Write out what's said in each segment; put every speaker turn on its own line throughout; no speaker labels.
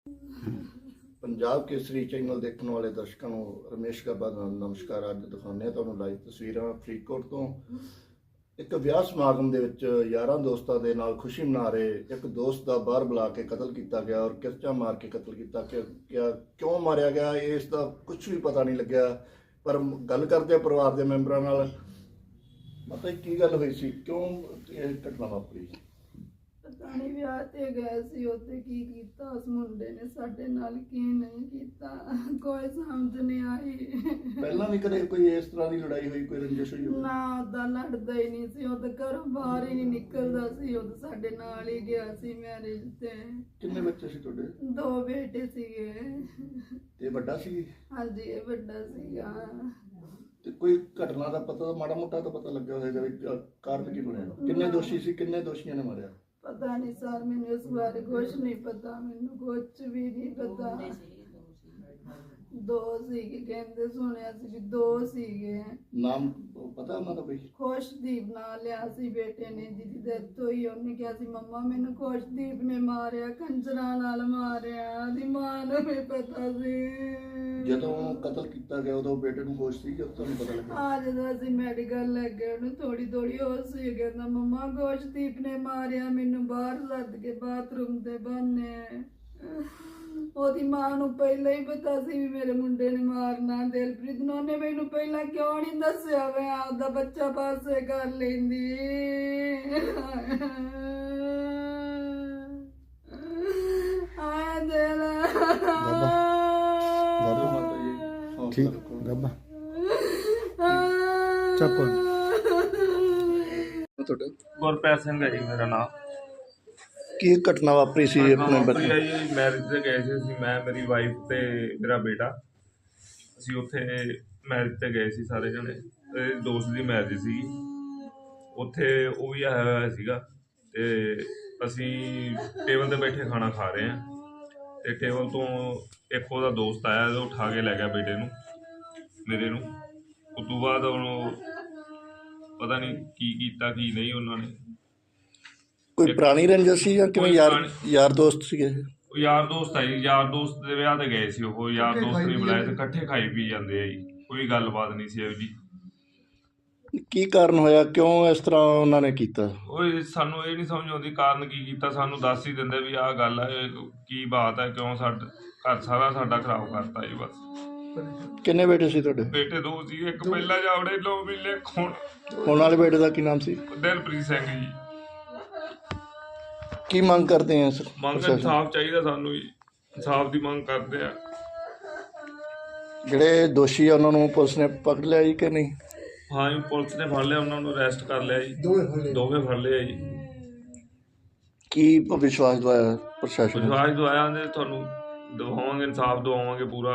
ਪੰਜਾਬ ਕੇਸਰੀ channel ਦੇਖਣ ਵਾਲੇ ਦਰਸ਼ਕਾਂ ਨੂੰ ਰਮੇਸ਼ ਗੱਬਾ ਦਾ ਨਮਸਕਾਰ। ਅੱਜ ਦਿਖਾਉਂਦੇ ਹਾਂ ਤੁਹਾਨੂੰ ਲਾਈਵ ਤਸਵੀਰਾਂ ਫਰੀਦਕੋਟ ਤੋਂ। ਇੱਕ ਵਿਆਹ ਸਮਾਗਮ ਦੇ ਵਿੱਚ ਯਾਰਾਂ ਦੋਸਤਾਂ ਦੇ ਨਾਲ ਖੁਸ਼ੀ ਮਨਾ ਰਹੇ ਇੱਕ ਦੋਸਤ ਦਾ ਬਾਹਰ ਬੁਲਾ ਕੇ ਕਤਲ ਕੀਤਾ ਗਿਆ ਔਰ ਕਿਰਚਾ ਮਾਰ ਕੇ ਕਤਲ ਕੀਤਾ। ਕਿਉਂ ਮਾਰਿਆ ਗਿਆ ਇਸ ਦਾ ਕੁਝ ਵੀ ਪਤਾ ਨਹੀਂ ਲੱਗਿਆ, ਪਰ ਗੱਲ ਕਰਦੇ ਆ ਪਰਿਵਾਰ ਦੇ ਮੈਂਬਰਾਂ ਨਾਲ। ਮਤਲਬ ਕੀ ਗੱਲ ਹੋਈ ਸੀ, ਕਿਉਂ ਇਹ ਘਟਨਾ ਵਾਪਰੀ?
ਪਤਾ ਨਹੀਂ ਵਿਆਹ ਤੇ ਗਏ ਸੀ, ਉੱਥੇ ਕੀ ਕੀਤਾ ਉਸ ਮੁੰਡੇ ਨੇ ਸਾਡੇ ਨਾਲ, ਕੀ ਨਹੀਂ ਕੀਤਾ, ਕੋਈ ਸਮਝ ਨਹੀਂ ਆਈ।
ਪਹਿਲਾਂ ਵੀ ਕਦੇ ਕੋਈ ਇਸ ਤਰ੍ਹਾਂ ਦੀ ਲੜਾਈ ਹੋਈ, ਕੋਈ ਰੰਜਿਸ਼ ਹੋਈ?
ਨਾ, ਉਹਦਾ ਲੜਦਾ ਹੀ ਨਹੀਂ ਸੀ, ਉਹ ਤਾਂ ਘਰੋਂ ਬਾਹਰ ਹੀ ਨਹੀਂ ਨਿਕਲਦਾ ਸੀ। ਉਹ ਤਾਂ ਸਾਡੇ ਨਾਲ ਹੀ ਗਿਆ ਸੀ ਮੈਰਿਜ ਤੇ।
ਕਿੰਨੇ ਬੱਚੇ ਸੀ ਤੁਹਾਡੇ?
2 ਬੇਟੇ ਸੀਗੇ।
ਇਹ ਵੱਡਾ ਸੀ?
ਹਾਂਜੀ, ਇਹ ਵੱਡਾ ਸੀਗਾ।
ਤੇ ਕੋਈ ਘਟਨਾ ਦਾ ਪਤਾ, ਮਾੜਾ ਮੋਟਾ ਤਾਂ ਪਤਾ ਲੱਗਿਆ ਹੋਵੇਗਾ ਵੀ ਕਾਰਨ ਕੀ ਬਣਿਆ? ਕਿੰਨੇ ਦੋਸ਼ੀ ਸੀ, ਕਿੰਨੇ ਦੋਸ਼ੀਆਂ ਨੇ ਮਾਰਿਆ?
ਪਤਾ ਨਹੀਂ ਸਰ, ਮੈਨੂੰ ਇਸ ਬਾਰੇ ਕੁਛ ਨਹੀਂ ਪਤਾ, ਮੈਨੂੰ ਕੁਛ ਵੀ ਨਹੀਂ ਪਤਾ। 2 ਸੀਗੇ ਕਹਿੰਦੇ, ਸੁਣਿਆ ਸੀ ਵੀ 2 ਸੀਗੇ।
ਨਾਮ ਪਤਾ ਉਹਨਾਂ ਦਾ ਕੋਈ?
ਖੁਸ਼ਦੀਪ ਨਾਂ ਲਿਆ ਸੀ ਬੇਟੇ ਨੇ, ਜਿਹਦੀ ਡੈਥ ਹੋਈ। ਉਹਨੇ ਕਿਹਾ ਸੀ ਮੰਮਾ ਮੈਨੂੰ ਖੁਸ਼ਦੀਪ ਨੇ ਮਾਰਿਆ, ਖੰਜਰਾਂ ਨਾਲ ਮਾਰਿਆ। ਉਹਦੀ ਮਾਂ ਨੂੰ ਵੀ ਪਤਾ ਸੀ।
ਜਦੋਂ ਕਤਲ ਕੀਤਾ ਗਿਆ ਉਦੋਂ ਬੇਟੇ ਨੂੰ ਹੋਸ਼ ਸੀ ਕਿ ਤੁਹਾਨੂੰ ਪਤਾ ਲੱਗਾ?
ਜਦੋਂ ਅਸੀਂ ਮੈਡੀਕਲ ਲੈ ਗਏ, ਉਹਨੂੰ ਥੋੜੀ ਹੋਸ਼ ਸੀ। ਕਹਿੰਦਾ ਮੰਮਾ ਖੁਸ਼ਦੀਪ ਨੇ ਮਾਰਿਆ ਮੈਨੂੰ, ਬਾਹਰ ਲੱਦ ਕੇ ਬਾਥਰੂਮ ਦੇ ਬਹਾਨੇ। ਉਹਦੀ ਮਾਂ ਨੂੰ ਪਹਿਲਾਂ ਹੀ ਪਤਾ ਸੀ ਵੀ ਮੇਰੇ ਮੁੰਡੇ ਨੇ ਮਾਰਨਾ। ਦਿਲਪ੍ਰੀਤ ਨੂੰ ਉਹਨੇ ਮੈਨੂੰ ਪਹਿਲਾਂ ਕਿਉਂ ਨਹੀਂ ਦੱਸਿਆ? ਮੈਂ ਆਪਦਾ ਬੱਚਾ ਪਾਸੇ ਕਰ ਲੈਂਦੀ। ਆਇਆ ਦਿਲ
ਠੀਕ
ਗੱਬਾ ਚੱਕੋ
ਤੁਹਾਡਾ
ਗੁਰਪ੍ਰੀਤ ਸਿੰਘ ਹੈ ਜੀ ਮੇਰਾ ਨਾਮ।
ਕੀ ਘਟਨਾ ਵਾਪਰੀ ਸੀ ਆਪਣੇ ਬੱਚੇ?
ਮੈਰਿਜ ਤੇ ਗਏ ਸੀ ਅਸੀਂ, ਮੈਂ, ਮੇਰੀ ਵਾਈਫ ਤੇ ਮੇਰਾ ਬੇਟਾ। ਅਸੀਂ ਉੱਥੇ ਮੈਰਿਜ ਤੇ ਗਏ ਸੀ ਸਾਰੇ ਜਣੇ। ਦੋਸਤ ਦੀ ਮੈਰਿਜ ਸੀ, ਉੱਥੇ ਉਹ ਵੀ ਆਇਆ ਹੋਇਆ ਸੀਗਾ। ਤੇ ਅਸੀਂ ਟੇਬਲ ਤੇ ਬੈਠੇ ਖਾਣਾ ਖਾ ਰਹੇ ਹਾਂ ਤੇ ਟੇਬਲ ਤੋਂ ਇੱਕ ਉਹਦਾ ਦੋਸਤ ਆਇਆ, ਉਹ ਉਠਾ ਕੇ ਲੈ ਗਿਆ ਬੇਟੇ ਨੂੰ, ਮੇਰੇ ਨੂੰ। ਉਸ ਤੋਂ ਬਾਅਦ ਉਹਨੂੰ ਪਤਾ ਨਹੀਂ ਕੀ ਕੀਤਾ ਕੀ ਨਹੀਂ ਉਹਨਾਂ ਨੇ।
ਕੋਈ ਪੁਰਾਣੀ ਰੰਜਿਸ਼ ਸੀ ਜਾਂ ਕਿਵੇਂ? ਯਾਰ ਦੋਸਤ ਸੀਗੇ?
ਉਹ ਯਾਰ ਦੋਸਤ ਆ ਜੀ, ਯਾਰ ਦੋਸਤ ਦੇ ਵਿਆਹ ਤੇ ਗਏ ਸੀ। ਉਹ ਯਾਰ ਦੋਸਤ ਨੇ ਬੁਲਾਇਆ ਤੇ ਇਕੱਠੇ ਖਾਈ ਪੀ ਜਾਂਦੇ ਆ ਜੀ, ਕੋਈ ਗੱਲਬਾਤ ਨਹੀਂ ਸੀ ਇਹੋ ਜੀ।
ਕੀ ਕਾਰਨ ਹੋਇਆ, ਕਿਉਂ ਇਸ ਤਰ੍ਹਾਂ ਉਹਨਾਂ ਨੇ ਕੀਤਾ?
ਉਹ ਸਾਨੂੰ ਇਹ ਨਹੀਂ ਸਮਝ ਆਉਂਦੀ ਕਾਰਨ ਕੀ ਕੀਤਾ। ਸਾਨੂੰ ਦੱਸ ਹੀ ਦਿੰਦੇ ਵੀ ਆਹ ਗੱਲ ਹੈ, ਕੀ ਬਾਤ ਹੈ, ਕਿਉਂ ਸਾਡਾ ਘਰ ਸਾਰਾ ਸਾਡਾ ਖਰਾਬ ਕਰਤਾ ਜੀ ਬਸ।
ਕਿੰਨੇ ਬੇਟੇ ਸੀ ਤੁਹਾਡੇ?
ਬੇਟੇ 2 ਸੀ, ਇੱਕ ਪਹਿਲਾਂ ਜਾਵੜੇ 9 ਮਹੀਨੇ
ਹੁਣ ਵਾਲੇ ਬੇਟੇ ਦਾ ਕੀ ਨਾਮ ਸੀ?
ਦਿਲਪ੍ਰੀਤ ਸਿੰਘ ਜੀ।
ਕੀ ਮੰਗ ਕਰਦੇ ਆ ਸਰ?
ਮੰਗ ਇਨਸਾਫ ਚਾਹੀਦਾ ਸਾਨੂੰ ਜੀ, ਇਨਸਾਫ ਦੀ ਮੰਗ ਕਰਦੇ ਆ।
ਜਿਹੜੇ ਦੋਸ਼ੀ ਆ ਉਹਨਾਂ ਨੂੰ ਪੁਲਿਸ ਨੇ ਪਕੜ ਲਿਆ ਜੀ ਕਿ ਨਹੀਂ?
ਹਾਂ ਜੀ, ਪੁਲਿਸ ਨੇ ਫੜ ਲਿਆ, ਉਹਨਾਂ ਨੂੰ ਅਰੈਸਟ ਕਰ ਲਿਆ ਜੀ। ਦੋਵੇਂ ਫੜ ਲਿਆ ਜੀ।
ਕੀ ਵਿਸ਼ਵਾਸ ਦਵਾਇਆ ਪ੍ਰਸ਼ਾਸਨ ਨੇ?
ਵਿਸ਼ਵਾਸ ਦਵਾਇਆ ਨੇ, ਤੁਹਾਨੂੰ ਦਵਾਵਾਂਗੇ, ਇਨਸਾਫ ਦਵਾਵਾਂਗੇ ਪੂਰਾ।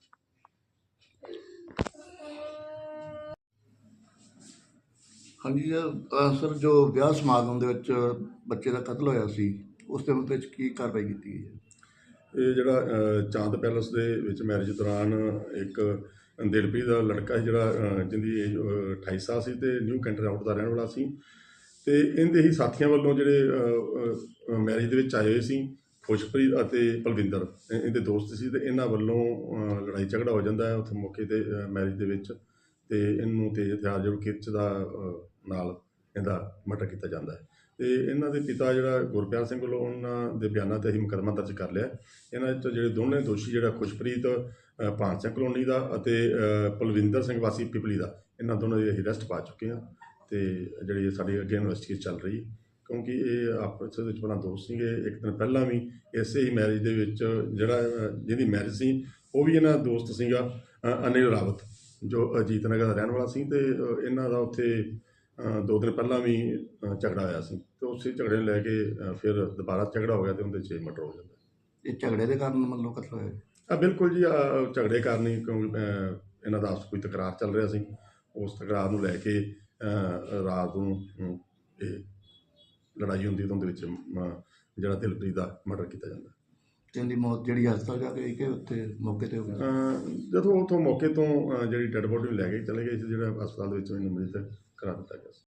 ਹਾਂਜੀ ਸਰ, ਜੋ ਵਿਆਹ ਸਮਾਗਮ ਦੇ ਵਿੱਚ ਬੱਚੇ ਦਾ ਕਤਲ ਹੋਇਆ ਸੀ, ਉਸ ਦੇ ਵਿੱਚ ਕੀ ਕਾਰਵਾਈ ਕੀਤੀ ਗਈ ਹੈ?
ਇਹ ਜਿਹੜਾ ਚਾਂਦ ਪੈਲਸ ਦੇ ਵਿੱਚ ਮੈਰਿਜ ਦੌਰਾਨ ਇੱਕ ਦਿਲਪ੍ਰੀਤ ਦਾ ਲੜਕਾ ਸੀ, ਜਿਹੜਾ ਜਿਹਦੀ ਏਜ 28 ਸਾਲ ਸੀ ਤੇ ਨਿਊ ਕੈਂਟਰ ਆਊਟ ਦਾ ਰਹਿਣ ਵਾਲਾ ਸੀ। ਤੇ ਇਹਦੇ ਹੀ ਸਾਥੀਆਂ ਵੱਲੋਂ ਜਿਹੜੇ ਮੈਰਿਜ ਦੇ ਵਿੱਚ ਆਏ ਹੋਏ ਸੀ, ਖੁਸ਼ਪ੍ਰੀਤ ਅਤੇ ਪਲਵਿੰਦਰ ਇਹਦੇ ਦੋਸਤ ਸੀ, ਤੇ ਇਹਨਾਂ ਵੱਲੋਂ ਲੜਾਈ ਝਗੜਾ ਹੋ ਜਾਂਦਾ ਹੈ ਉੱਥੇ ਮੌਕੇ 'ਤੇ ਮੈਰਿਜ ਦੇ ਵਿੱਚ। ਤੇ ਇਹਨੂੰ ਤੇਜ਼ ਹਥਿਆਰ ਜੋ ਕਿਰਚ ਦਾ ਨਾਲ ਇਹਦਾ ਮਰਡਰ ਕੀਤਾ ਜਾਂਦਾ ਹੈ। ਤੇ ਇਹਨਾਂ ਦੇ ਪਿਤਾ ਜਿਹੜਾ ਗੁਰਪ੍ਰੀਤ ਸਿੰਘ ਵੱਲੋਂ ਉਹਨਾਂ ਦੇ ਬਿਆਨਾਂ 'ਤੇ ਅਸੀਂ ਮੁਕੱਦਮਾ ਦਰਜ ਕਰ ਲਿਆ। ਇਹਨਾਂ ਵਿੱਚ ਜਿਹੜੇ ਦੋਨੇ ਦੋਸ਼ੀ, ਜਿਹੜਾ ਖੁਸ਼ਪ੍ਰੀਤ ਭਾਨ ਸਿੰਘ ਕਲੋਨੀ ਦਾ ਅਤੇ ਪਲਵਿੰਦਰ ਸਿੰਘ ਵਾਸੀ ਪਿਪਲੀ ਦਾ, ਇਹਨਾਂ ਦੋਨਾਂ ਦੀ ਅਸੀਂ ਅਰੈਸਟ ਪਾ ਚੁੱਕੇ ਹਾਂ। ਤੇ ਜਿਹੜੀ ਸਾਡੀ ਅੱਗੇ ਇਨਵੈਸਟੀਗੇਸ਼ਨ ਚੱਲ ਰਹੀ, ਕਿਉਂਕਿ ਇਹ ਆਪਸ ਵਿੱਚ ਪਹਿਲਾਂ ਦੋਸਤ ਸੀਗੇ। ਇੱਕ ਦਿਨ ਪਹਿਲਾਂ ਵੀ ਇਸੇ ਹੀ ਮੈਰਿਜ ਦੇ ਵਿੱਚ ਜਿਹਦੀ ਮੈਰਿਜ ਸੀ ਉਹ ਵੀ ਇਹਨਾਂ ਦਾ ਦੋਸਤ ਸੀਗਾ ਅਨਿਲ ਰਾਵਤ, ਜੋ ਅਜੀਤ ਨਗਰ ਦਾ ਰਹਿਣ ਵਾਲਾ ਸੀ। ਤੇ ਇਹਨਾਂ ਦਾ ਉੱਥੇ 2 ਦਿਨ ਪਹਿਲਾਂ ਵੀ ਝਗੜਾ ਹੋਇਆ ਸੀ, ਤੇ ਉਸੇ ਝਗੜੇ ਨੂੰ ਲੈ ਕੇ ਫਿਰ ਦੁਬਾਰਾ ਝਗੜਾ ਹੋ ਗਿਆ ਤੇ ਉਹਦੇ 'ਚ ਮਰਡਰ ਹੋ ਜਾਂਦਾ।
ਇਹ ਝਗੜੇ ਦੇ ਕਾਰਨ ਮਤਲਬ ਕਤਲ ਹੋਇਆ?
ਬਿਲਕੁਲ ਜੀ, ਝਗੜੇ ਕਾਰਨ ਹੀ, ਕਿਉਂਕਿ ਇਹਨਾਂ ਦਾ ਆਪਸ ਕੋਈ ਤਕਰਾਰ ਚੱਲ ਰਿਹਾ ਸੀ। ਉਸ ਤਕਰਾਰ ਨੂੰ ਲੈ ਕੇ ਰਾਤ ਨੂੰ ਇਹ ਲੜਾਈ ਹੁੰਦੀ, ਤਾਂ ਉਹਦੇ ਵਿੱਚ ਜਿਹੜਾ ਦਿਲਪ੍ਰੀਤ ਦਾ ਮਰਡਰ ਕੀਤਾ ਜਾਂਦਾ।
ਇਹਦੀ ਮੌਤ ਜਿਹੜੀ ਹਸਪਤਾਲ ਜਾ ਕੇ ਹੋਈ ਕਿ ਉੱਥੇ ਮੌਕੇ 'ਤੇ ਹੋ ਗਈ?
ਜਦੋਂ ਉੱਥੋਂ ਮੌਕੇ ਤੋਂ ਜਿਹੜੀ ਡੈਡ ਬੋਡੀ ਨੂੰ ਲੈ ਕੇ ਚਲੇ ਗਏ ਸੀ, ਜਿਹੜਾ ਹਸਪਤਾਲ ਦੇ ਵਿੱਚ ਇਹਨੂੰ ਮ੍ਰਿਤ ਕਰਾ ਦਿੱਤਾ ਗਿਆ ਸੀ।